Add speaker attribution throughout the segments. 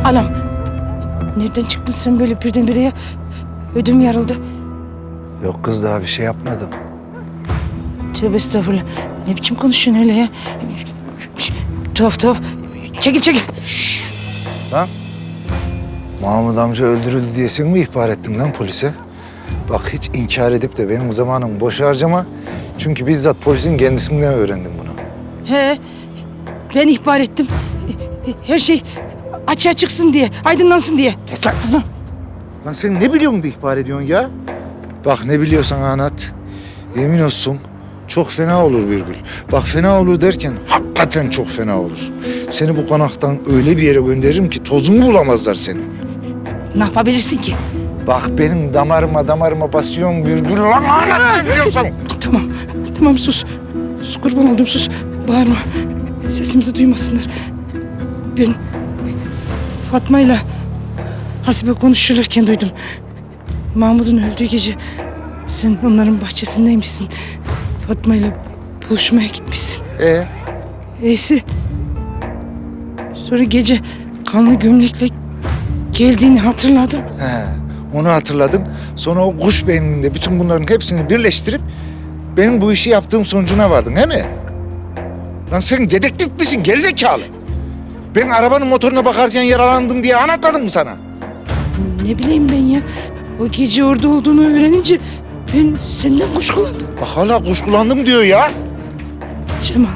Speaker 1: Anam. Nereden çıktın sen böyle birdenbire ya? Ödüm yarıldı.
Speaker 2: Yok kız, daha bir şey yapmadım.
Speaker 1: Tövbe estağfurullah. Ne biçim konuşuyorsun öyle ya? Tuhaf tuhaf. Çekil çekil.
Speaker 2: Lan Mahmut amca öldürüldü diye sen mi ihbar ettin lan polise? Bak hiç inkar edip de benim zamanımı boş harcama. Çünkü bizzat polisin kendisinden öğrendim bunu.
Speaker 1: He. Ben ihbar ettim. Her şey açığa çıksın diye, aydınlansın diye.
Speaker 2: Kes lan. Lan sen ne biliyorsun da ihbar ediyorsun ya? Bak ne biliyorsan anlat. Yemin olsun çok fena olur Birgül. Bak fena olur derken hakikaten çok fena olur. Seni bu konaktan öyle bir yere gönderirim ki tozunu bulamazlar seni.
Speaker 1: Ne yapabilirsin ki?
Speaker 2: Bak benim damarıma basıyorsun Birgül. Lan anlat ne biliyorsan.
Speaker 1: Tamam, tamam sus. Sus kurban oldum sus. Bağırma. Sesimizi duymasınlar. Ben Fatma'yla Hasibe konuşurlarken duydum. Mahmut'un öldüğü gece sen onların bahçesindeymişsin. Fatma'yla buluşmaya gitmişsin. İyisi. Sonra gece kanlı gömlekle geldiğini hatırladım.
Speaker 2: He, onu hatırladım. Sonra o kuş beyninde bütün bunların hepsini birleştirip benim bu işi yaptığım sonucuna vardın, değil mi? Lan sen dedektif misin gerizekalı? Ben arabanın motoruna bakarken yaralandım diye anlatmadım mı sana?
Speaker 1: Ne bileyim ben ya. O gece orada olduğunu öğrenince ben senden kuşkulandım.
Speaker 2: Bak hala kuşkulandım diyor ya.
Speaker 1: Cemal.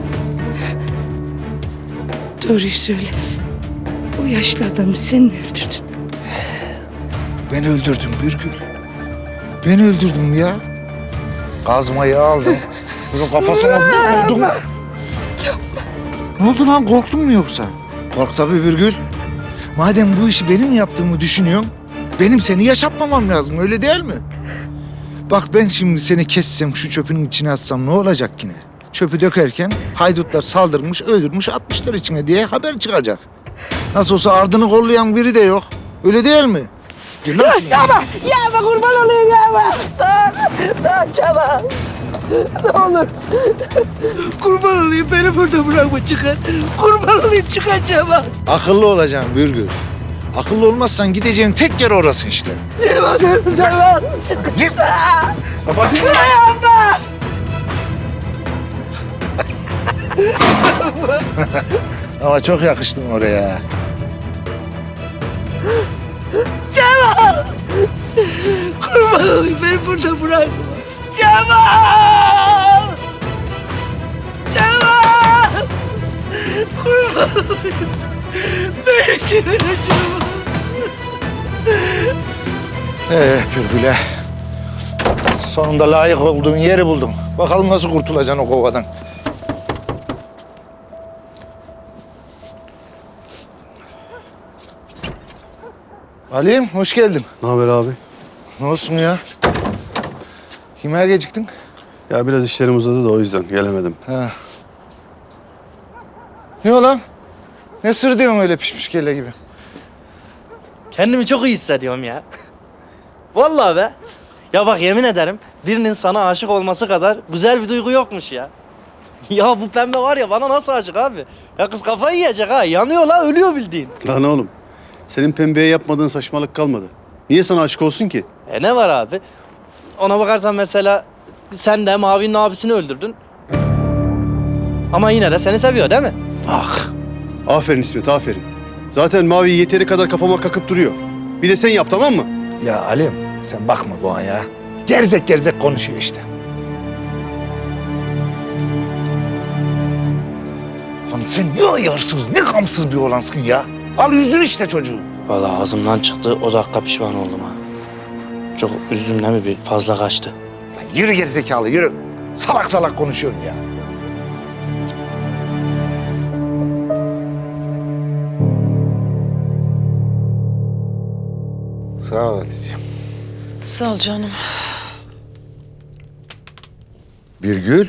Speaker 1: Doğruyu söyle. O yaşlı adamı sen mi öldürdün?
Speaker 2: Ben öldürdüm Birgül. Ben öldürdüm ya. Kazmayı aldım. Bunun kafasına vurdum. Ne oldu lan, korktun mu yoksa? Kork tabii Birgül. Madem bu işi benim yaptığımı düşünüyorsun, benim seni yaşatmamam lazım, öyle değil mi? Bak ben şimdi seni kessem, şu çöpün içine atsam ne olacak yine? Çöpü dökerken haydutlar saldırmış, öldürmüş, atmışlar içine diye haber çıkacak. Nasıl olsa ardını kollayan biri de yok. Öyle değil mi? Gel lan şuraya.
Speaker 1: Yapma kurban olayım yapma. Daha Cemal. Ne olur. Kurban olayım beni burada bırakma çıkar. Kurban olayım çıkar Cemal.
Speaker 2: Akıllı olacaksın Bürgül. Akıllı olmazsan gideceğin tek yer orası işte.
Speaker 1: Cemal dur Cemal.
Speaker 2: Gir. Kapatayım mı?
Speaker 1: Yapma.
Speaker 2: Ama çok yakıştın oraya.
Speaker 1: Cemal. Kurban olayım beni burada bırakma. Cemal. Cemal. Kurban olayım. Beni çevir Cemal.
Speaker 2: Bürgül'e. Sonunda layık olduğun yeri buldum. Bakalım nasıl kurtulacaksın o kovadan. Ali'm hoş geldin.
Speaker 3: Ne haber abi?
Speaker 2: Ne olsun ya? Yemeğe geciktin?
Speaker 3: Ya biraz işlerim uzadı da o yüzden gelemedim.
Speaker 2: Ha. Ne o lan? Ne sır diyorsun öyle pişmiş kelle gibi?
Speaker 4: Kendimi çok iyi hissediyorum ya. Vallahi be. Ya bak yemin ederim birinin sana aşık olması kadar güzel bir duygu yokmuş ya. Ya bu pembe var ya bana nasıl aşık abi? Ya kız kafayı yiyecek ha. Yanıyor la ölüyor bildiğin.
Speaker 3: Lan oğlum, senin pembeye yapmadığın saçmalık kalmadı. Niye sana aşık olsun ki?
Speaker 4: Ne var abi? Ona bakarsan mesela sen de Mavi'nin abisini öldürdün. Ama yine de seni seviyor değil mi?
Speaker 2: Ah.
Speaker 3: Aferin İsmet, aferin. Zaten Mavi yeteri kadar kafama kakıp duruyor. Bir de sen yap, tamam mı?
Speaker 2: Ya Ali'm sen bakma bu an ya. Gerzek gerzek konuşuyor işte. Lan sen ne ayarsız, ne gamsız bir olansın ya. Al üzdün işte çocuğu.
Speaker 4: Vallahi ağzımdan çıktı o dakika pişman oldum ha. Çok üzdüm değil mi? Bir fazla kaçtı.
Speaker 2: Lan yürü gerizekalı yürü. Salak salak konuşuyorsun ya. Sağ ol Hatice'm.
Speaker 1: Sağ ol canım.
Speaker 2: Birgül.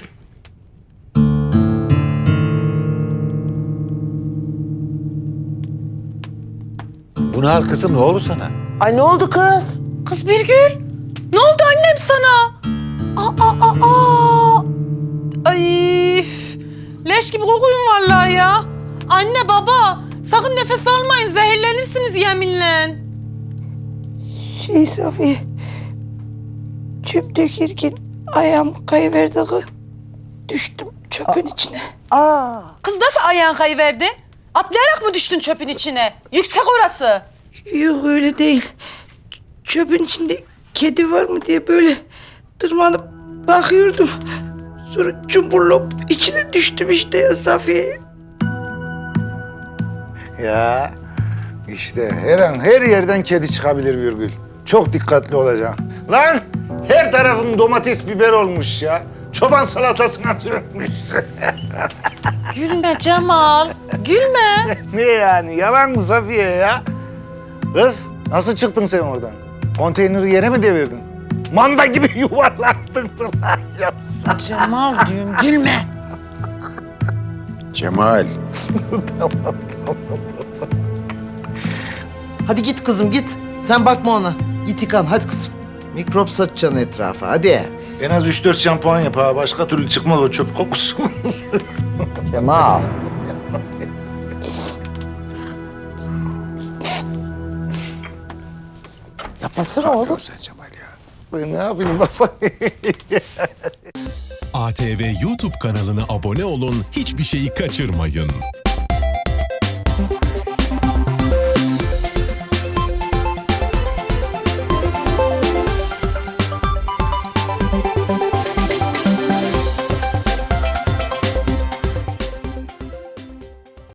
Speaker 2: Bu ne hal kızım, ne oldu sana?
Speaker 5: Ay ne oldu kız?
Speaker 6: Kız Birgül, ne oldu annem sana? Aa. Ay, leş gibi kokuyun vallahi ya. Anne baba, Sakın nefes almayın, zehirlenirsiniz yeminle.
Speaker 1: Safiye, çöp dökerken ayağım kayıverdi kız. Düştüm çöpün içine.
Speaker 6: Kız nasıl ayağın kayıverdi? Atlayarak mı düştün çöpün içine? Yüksek orası.
Speaker 1: Yok öyle değil. Çöpün içinde kedi var mı diye böyle tırmanıp bakıyordum. Sonra cumburlop içine düştüm işte ya Safiye.
Speaker 2: Ya işte her an her yerden kedi çıkabilir Virgül. Çok dikkatli olacaksın. Lan her tarafın domates biber olmuş ya. Çoban salatasına dönmüş.
Speaker 6: Gülme Cemal, gülme.
Speaker 2: Ne yani yalan mı Safiye ya? Kız nasıl çıktın sen oradan? Konteyneri yere mi devirdin? Manda gibi yuvarlattın falan yoksa.
Speaker 6: Cemal diyorum, gülme.
Speaker 5: Cemal.
Speaker 7: Hadi git kızım git. Sen bakma ona. Git yıkan hadi kızım. Mikrop saçacaksın etrafa hadi.
Speaker 2: En az 3-4 şampuan yap ha. Başka türlü çıkmaz o çöp kokusu.
Speaker 7: Cemal. Yapmasana oğlum.
Speaker 5: Sen Cemal ya.
Speaker 2: Ben ne yapayım baba?
Speaker 8: ATV YouTube kanalına abone olun, hiçbir şeyi kaçırmayın.